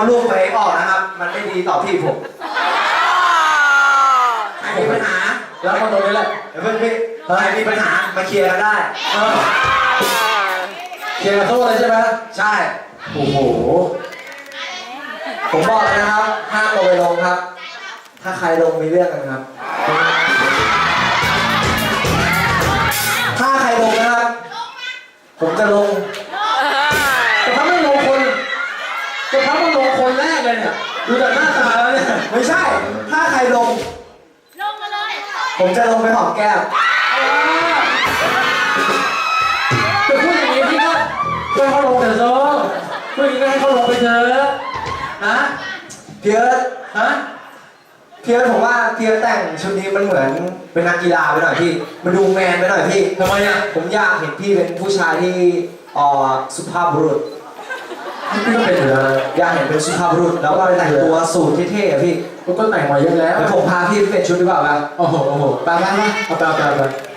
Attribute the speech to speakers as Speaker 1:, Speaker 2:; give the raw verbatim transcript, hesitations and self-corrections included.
Speaker 1: รูปตัวเองออกนะครับ มันไม่ดีต่อพี่ผมใครมีปัญหา
Speaker 2: แล้วคนตรงนี้แหละ
Speaker 1: เดี๋ยวเพื่อนพี่ใครมีปัญหามาเคลียร์กันได้
Speaker 2: เออเคลียร์กับโซ่เลยใช่ไหม
Speaker 1: ใช่
Speaker 2: โอ้โห
Speaker 1: ผมบอกเลยนะครับห้ามลงไปลงครับ ถ้าใครลงมีเรื่องกันครับ ถ้าใครลงนะครับ ผมจะลง
Speaker 2: แต่ถ้าไม่ลงคนแต่ถ้าไม่ลงคนแรกเลยเนี่ยดูจากหน้าตาแล้วเนี่ย
Speaker 1: ไม่ใช่ ถ้าใครลง
Speaker 3: ลงมาเลย
Speaker 1: ผมจะลงไปหอมแก้ม
Speaker 2: จะพูดอย่างนี้พี่ก็ให้เขาลงเถอะโซ่พูดอย่างนี้ก็ให้เขาลงไปเถอะนะ
Speaker 1: เพียร์
Speaker 2: ฮะ
Speaker 1: เพียร์ผมว่าเพียร์แต่งชุดนี้มันเหมือนเป็นนักกีฬาไปหน่อยพี่ มันดูแมนไปหน่อยพี่
Speaker 2: ทำไมอ่ะ
Speaker 1: ผมอยากเห็นพี่เป็นผู้ชายที่เอ่อสุภาพบุรุษ
Speaker 2: พี่ก็เป็นอยู่แล้ว
Speaker 1: อยากเห็นเป็นสุภาพบุรุษแล้วก็แต่งตัวสูทเท่ๆอะพี่
Speaker 2: ก็แต่งมาเยอะแล้ว
Speaker 1: เดี๋ยวผมพาพี่ไปเปลี่ยนชุดดีกว่าป่ะ
Speaker 2: โอ้โหโอ้โห
Speaker 1: ไปไปไป
Speaker 2: เอาไปเอาไปเอาไป